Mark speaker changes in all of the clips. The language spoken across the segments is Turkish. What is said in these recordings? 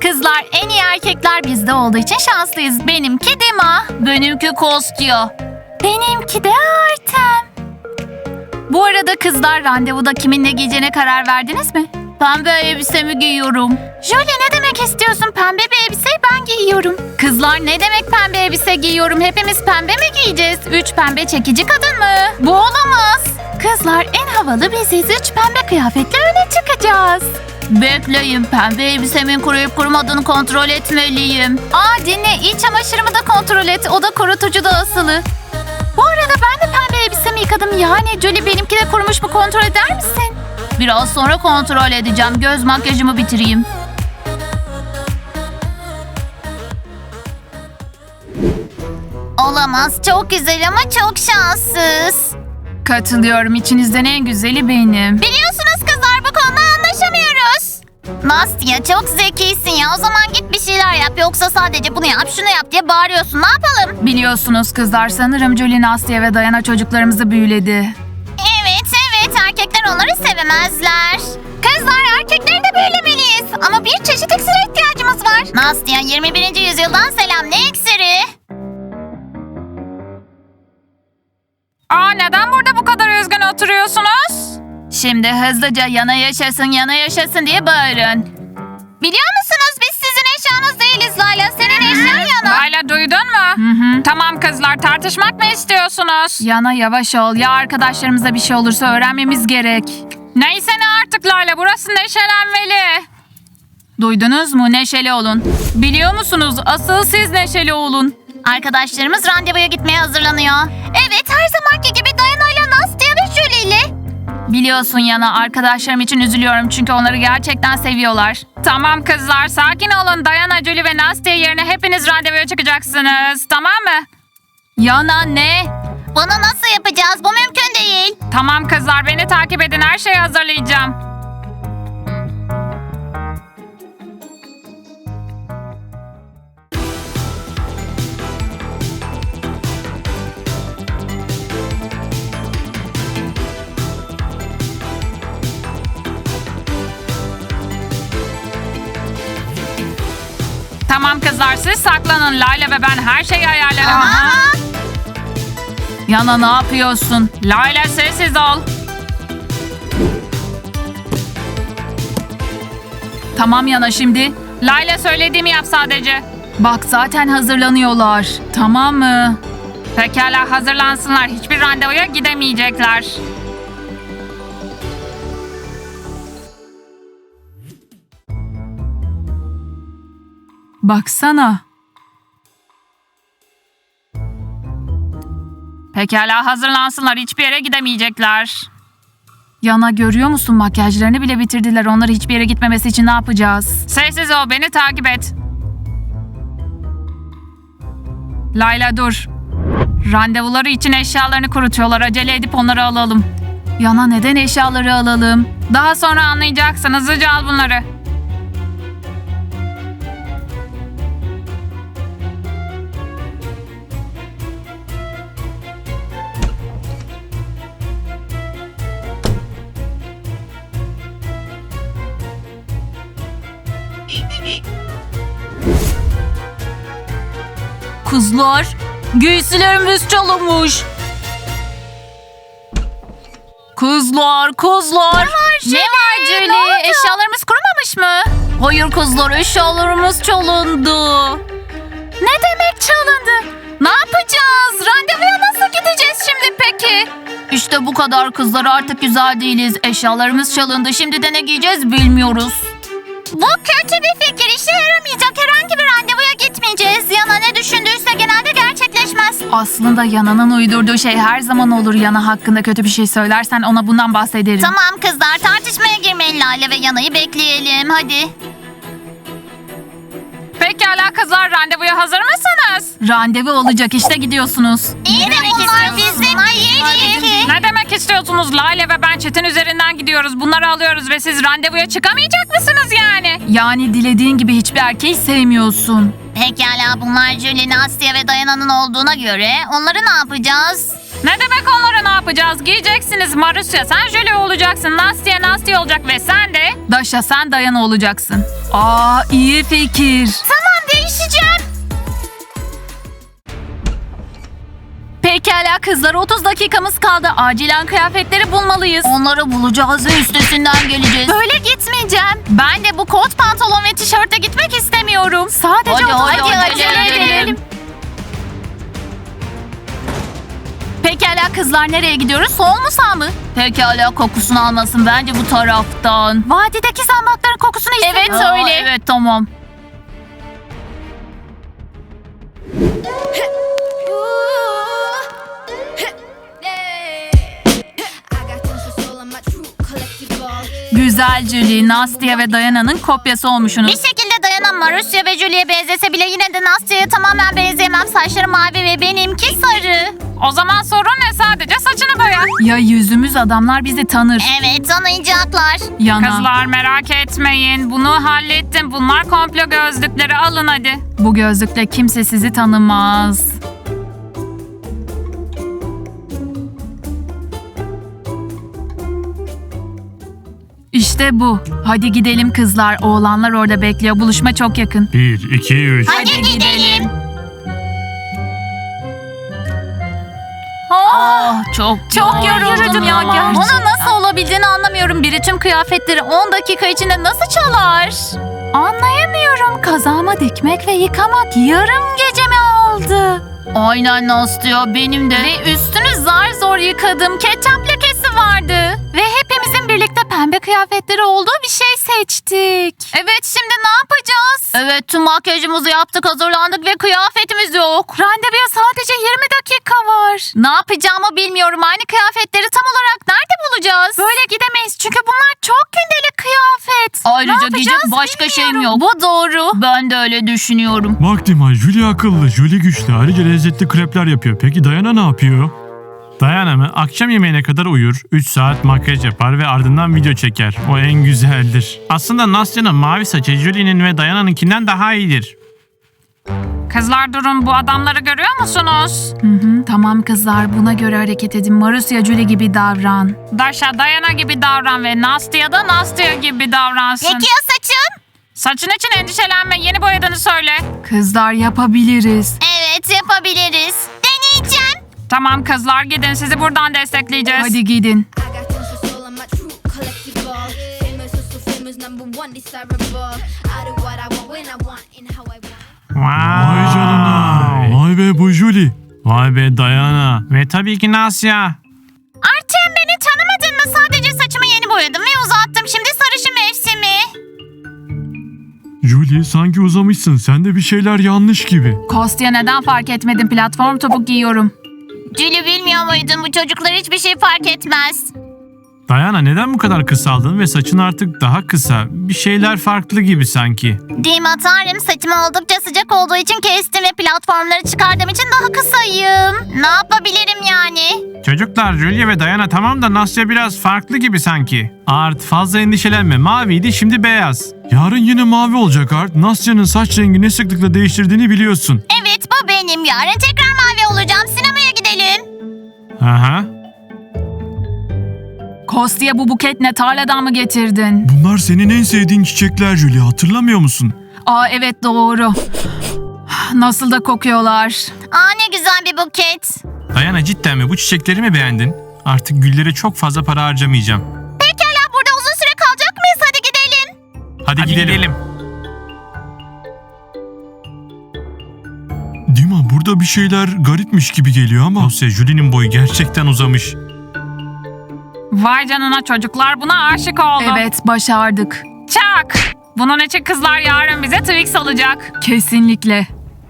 Speaker 1: Kızlar, en iyi erkekler bizde olduğu için şanslıyız. Benimki Dima. Benimki Kostya. Benimki de Artem. Bu arada kızlar, randevuda kiminle giyeceğine karar verdiniz mi? Pembe elbisemi giyiyorum. Jolie, ne demek istiyorsun? Pembe bir elbiseyi ben giyiyorum. Kızlar, ne demek pembe elbise giyiyorum? Hepimiz pembe mi giyeceğiz? 3 pembe çekici kadın mı? Bu olamaz. Kızlar, en havalı biziz. 3 pembe kıyafetle öne çıkacağız. Bekleyin, pembe elbisemin kuruyup kurumadığını kontrol etmeliyim. Dinle, iç çamaşırımı da kontrol et. O da kurutucu da asılı. Bu arada ben de pembe elbisemi yıkadım. Yani Jolie, benimki de kurumuş mu kontrol eder misin? Biraz sonra kontrol edeceğim. Göz makyajımı bitireyim. Olamaz. Çok güzel ama çok şanssız. Katılıyorum. İçinizden en güzeli benim. Biliyorsunuz kızlar, bu konuda anlaşamıyoruz. Nastya, çok zekisin ya. O zaman git bir şeyler yap. Yoksa sadece bunu yap, şunu yap diye bağırıyorsun. Ne yapalım? Biliyorsunuz kızlar, sanırım Jolie, Nastya ve Dayana çocuklarımızı büyüledi. Evet, erkekler onları sevemezler. Kızlar, erkekleri de büyülemeliyiz. Ama bir çeşit iksire ihtiyacımız var. Nastya, 21. yüzyıldan selam. Ne iksiri?
Speaker 2: Neden burada bu kadar üzgün oturuyorsunuz?
Speaker 1: Şimdi hızlıca yana yaşasın diye bağırın. Biliyor musunuz, biz sizin eşyanız değiliz Layla. Senin eşyan Yana.
Speaker 2: Layla, duydun mu?
Speaker 1: Hı.
Speaker 2: Tamam kızlar, tartışmak mı istiyorsunuz?
Speaker 1: Yana, yavaş ol. Ya arkadaşlarımıza bir şey olursa öğrenmemiz gerek.
Speaker 2: Neyse ne artık Layla, burası neşelenmeli.
Speaker 1: Duydunuz mu? Neşeli olun.
Speaker 2: Biliyor musunuz, asıl siz neşeli olun.
Speaker 1: Arkadaşlarımız randevuya gitmeye hazırlanıyor. Evet, her zamanki gibi Dayana ile Nastya ve Julie ile. Biliyorsun Yana, arkadaşlarım için üzülüyorum çünkü onları gerçekten seviyorlar.
Speaker 2: Tamam kızlar, sakin olun. Dayana, Julie ve Nastya yerine hepiniz randevuya çıkacaksınız. Tamam mı?
Speaker 1: Yana, ne? Bunu nasıl yapacağız? Bu mümkün değil.
Speaker 2: Tamam kızlar, beni takip edin. Her şeyi hazırlayacağım. Tamam kızlar, siz saklanın. Layla ve ben her şeyi ayarlarım.
Speaker 1: Yana, ne yapıyorsun?
Speaker 2: Layla, sessiz ol.
Speaker 1: Tamam Yana, şimdi.
Speaker 2: Layla, söylediğimi yap sadece.
Speaker 1: Bak, zaten hazırlanıyorlar. Tamam mı?
Speaker 2: Pekala, hazırlansınlar. Hiçbir randevuya gidemeyecekler.
Speaker 1: Baksana.
Speaker 2: Pekala, hazırlansınlar. Hiçbir yere gidemeyecekler.
Speaker 1: Yana, görüyor musun? Makyajlarını bile bitirdiler. Onları hiçbir yere gitmemesi için ne yapacağız?
Speaker 2: Sessiz ol, beni takip et. Layla, dur. Randevuları için eşyalarını kurutuyorlar. Acele edip onları alalım.
Speaker 1: Yana, neden eşyaları alalım?
Speaker 2: Daha sonra anlayacaksın. Hızlıca al bunları.
Speaker 1: Kızlar, giysilerimiz çalınmış. Kızlar. Ne var Julie? Eşyalarımız kurumamış mı? Hayır kızlar, eşyalarımız çalındı. Ne demek çalındı? Ne yapacağız? Randevuya nasıl gideceğiz şimdi peki? İşte bu kadar kızlar, artık güzel değiliz. Eşyalarımız çalındı. Şimdi de ne giyeceğiz bilmiyoruz. Bu kötü bir fikir. İşe yaramayacak. Herhangi bir randevuya gitmeyeceğiz. Yana ne düşündüyse genelde gerçekleşmez. Aslında Yana'nın uydurduğu şey her zaman olur. Yana hakkında kötü bir şey söylersen ona bundan bahsederim. Tamam kızlar, tartışmaya girmeyin. Lale ve Yana'yı bekleyelim. Hadi.
Speaker 2: Pekala kızlar, randevuya hazır mısınız?
Speaker 1: Randevu olacak, işte gidiyorsunuz.
Speaker 2: İyi de bunlar bizim değil ki. Ne demek istiyorsunuz? Lale ve ben çetin üzerinden gidiyoruz. Bunları alıyoruz ve siz randevuya çıkamayacak mısınız yani?
Speaker 1: Yani dilediğin gibi hiçbir erkeği sevmiyorsun.
Speaker 3: Pekala, bunlar Julie, Nastya ve Dayana'nın olduğuna göre onları ne yapacağız?
Speaker 2: Ne demek onlara ne yapacağız? Giyeceksiniz. Marusya sen Julie olacaksın. Nastya olacak ve sen de...
Speaker 1: Daşa sen Dayana olacaksın. Aa, iyi fikir. Tamam, değişeceğim. Pekala kızlar, 30 dakikamız kaldı. Acilen kıyafetleri bulmalıyız. Onları bulacağız ve üstesinden geleceğiz. Böyle gitmeyeceğim. Ben de bu kot pantolon ve tişörtle gitmek istemiyorum. Sadece hadi acele edelim. Pekala kızlar, nereye gidiyoruz? Sol mu sağ mı? Pekala, kokusunu almasın, bence bu taraftan. Vadideki zambakların kokusunu hissediyorum. Evet öyle. Evet tamam. Güzel Julie, Nastya ve Dayana'nın kopyası olmuşsunuz.
Speaker 3: Bir şekilde Dayana Marusya ve Julie'ye benzese bile yine de Nastya'ya tamamen benzeyemem. Saçları mavi ve benimki sarı.
Speaker 2: O zaman sorun ne? Sadece saçını boya.
Speaker 1: Ya yüzümüz, adamlar bizi tanır.
Speaker 3: Evet, tanıyacaklar.
Speaker 1: Yana.
Speaker 2: Kızlar merak etmeyin. Bunu hallettim. Bunlar komplo gözlükleri. Alın hadi.
Speaker 1: Bu gözlükle kimse sizi tanımaz. İşte bu. Hadi gidelim kızlar. Oğlanlar orada bekliyor. Buluşma çok yakın.
Speaker 4: 1, 2, 3.
Speaker 3: Hadi gidelim.
Speaker 1: Çok yoruldum ya gerçekten. Ona nasıl olabildiğini anlamıyorum. Biri tüm kıyafetleri 10 dakika içinde nasıl çalar? Anlayamıyorum. Kazağıma dikmek ve yıkamak yarım gecemi aldı. Aynen Nastya, benim de. Ve üstünü zar zor yıkadım. Ketçap lekesi vardı. Ve hepimizin birlikte pembe kıyafetleri olduğu bir şey seçtik. Evet, şimdi ne yapacağız? Evet, tüm makyajımızı yaptık, hazırlandık ve kıyafetimiz yok. Randevuya sadece 20 dakika var. Ne yapacağımı bilmiyorum. Aynı kıyafetleri tam olarak nerede bulacağız? Böyle gidemeyiz çünkü bunlar çok gündelik kıyafet. Ayrıca giyecek başka şeyim yok. Bu doğru. Ben de öyle düşünüyorum.
Speaker 4: Bak Dima, Julie akıllı, Julie güçlü. Ayrıca lezzetli krepler yapıyor. Peki Dayana ne yapıyor? Dayana mı? Akşam yemeğine kadar uyur, 3 saat makyaj yapar ve ardından video çeker. O en güzeldir. Aslında Nastya'nın mavi saçı Julie'nin ve Dayana'nınkinden daha iyidir.
Speaker 2: Kızlar durun. Bu adamları görüyor musunuz?
Speaker 1: Tamam kızlar, buna göre hareket edin. Marusya Julie gibi davran.
Speaker 2: Daşa Dayana gibi davran ve Nastya da Nastya gibi davransın.
Speaker 3: Peki ya saçım?
Speaker 2: Saçın için endişelenme. Yeni boyadığını söyle.
Speaker 1: Kızlar, yapabiliriz.
Speaker 3: Evet, yapabiliriz. Deneyeceğim.
Speaker 2: Tamam kızlar, gidin, sizi buradan destekleyeceğiz.
Speaker 1: Hadi gidin.
Speaker 5: I got tons of soul, I'm a true collectible. Famous, so famous, #1 desirable. I do what I want, when I want, and how I want.
Speaker 4: Vay canına. Vay be, bu Julie. Vay be Dayana. Ve tabii ki Nastya.
Speaker 3: Artem, beni tanımadın mı? Sadece saçımı yeni boyadım ve uzattım. Şimdi sarışın mevsimi.
Speaker 4: Julie, sanki uzamışsın. Sende bir şeyler yanlış gibi.
Speaker 1: Kostya, neden fark etmedin? Platform topuk giyiyorum.
Speaker 3: Julie, bilmiyor muydun? Bu çocuklar hiçbir şey fark etmez.
Speaker 4: Dayana, neden bu kadar kısaldın ve saçın artık daha kısa? Bir şeyler farklı gibi sanki.
Speaker 3: Dima tanrım, saçım oldukça sıcak olduğu için kestim ve platformları çıkardığım için daha kısayım. Ne yapabilirim yani?
Speaker 4: Çocuklar, Julie ve Dayana tamam da Nastya biraz farklı gibi sanki. Art, fazla endişelenme. Maviydi, şimdi beyaz. Yarın yine mavi olacak Art. Nastya'nın saç rengini ne sıklıkla değiştirdiğini biliyorsun.
Speaker 3: Evet, bu benim. Yarın tekrar mavi olacağım. Sinemaya gidelim.
Speaker 4: Aha.
Speaker 1: Kostya, bu buket ne? Tarladan mı getirdin?
Speaker 4: Bunlar senin en sevdiğin çiçekler Julie, hatırlamıyor musun?
Speaker 1: Aa evet, doğru. Nasıl da kokuyorlar.
Speaker 3: Aa, ne güzel bir buket.
Speaker 4: Dayana, cidden mi? Bu çiçekleri mi beğendin? Artık güllere çok fazla para harcamayacağım.
Speaker 3: Pekala, burada uzun süre kalacak mıyız? Hadi gidelim.
Speaker 4: Hadi gidelim. Dima, burada bir şeyler garipmiş gibi geliyor ama... Dosya, Julie'nin boyu gerçekten uzamış.
Speaker 2: Vay canına, çocuklar buna aşık oldu.
Speaker 1: Evet, başardık.
Speaker 2: Çak! Bunun için kızlar yarın bize Twix alacak.
Speaker 1: Kesinlikle.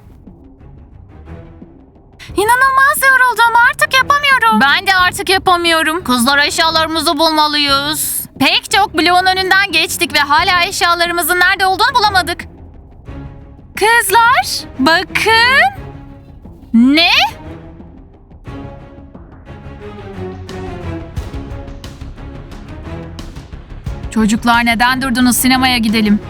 Speaker 1: İnanılmaz yoruldum. Artık yapamıyorum. Ben de artık yapamıyorum. Kızlar, eşyalarımızı bulmalıyız. Pek çok bloğun önünden geçtik ve hala eşyalarımızın nerede olduğunu bulamadık. Kızlar, bakın. Ne? Çocuklar, neden durdunuz? Sinemaya gidelim.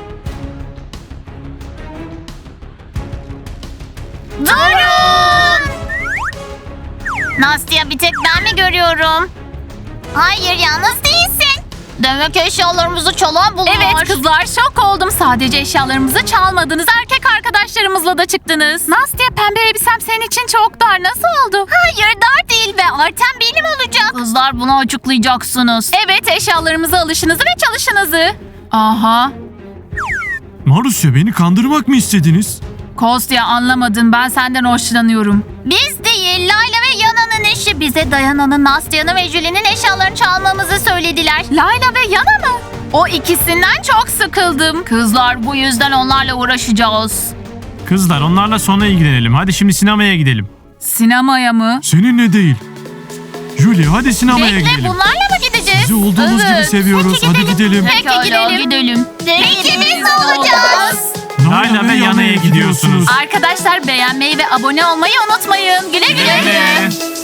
Speaker 3: Durun! Nastya, bir tek ben mi görüyorum? Hayır, yalnız değilsin. Demek eşyalarımızı çalan bunlar.
Speaker 1: Evet kızlar, şok oldum. Sadece eşyalarımızı çalmadınız. Erkek arkadaşlarımızla da çıktınız. Nastya, pembe elbisem senin için çok dar. Nasıl oldu?
Speaker 3: Hayır, dar değil ve Artem benim olacak.
Speaker 1: Kızlar, bunu açıklayacaksınız. Evet, eşyalarımızı alışınızı ve çalışınızı. Aha.
Speaker 4: Marusya, beni kandırmak mı istediniz?
Speaker 1: Kostya, anlamadın. Ben senden hoşlanıyorum.
Speaker 3: Biz değil, Layla ve Yana'nın eşi. Bize Dayana'nın, Nastya'nın ve Julie'nin eşyalarını çalmamızı söylediler.
Speaker 1: Layla ve Yana mı? O ikisinden çok sıkıldım. Kızlar, bu yüzden onlarla uğraşacağız.
Speaker 4: Kızlar, onlarla sonra ilgilenelim. Hadi şimdi sinemaya gidelim.
Speaker 1: Sinemaya mı?
Speaker 4: Seninle değil. Julie, hadi sinemaya
Speaker 1: Bekle,
Speaker 4: gidelim.
Speaker 1: bunlarla mı gideceğiz?
Speaker 4: Sizi olduğumuz gibi seviyoruz. Hadi gidelim.
Speaker 1: Peki gidelim.
Speaker 3: Peki biz ne olacağız?
Speaker 4: Layla ve Yana'ya gidiyorsunuz.
Speaker 1: Arkadaşlar, beğenmeyi ve abone olmayı unutmayın. Güle güle.
Speaker 4: Güle.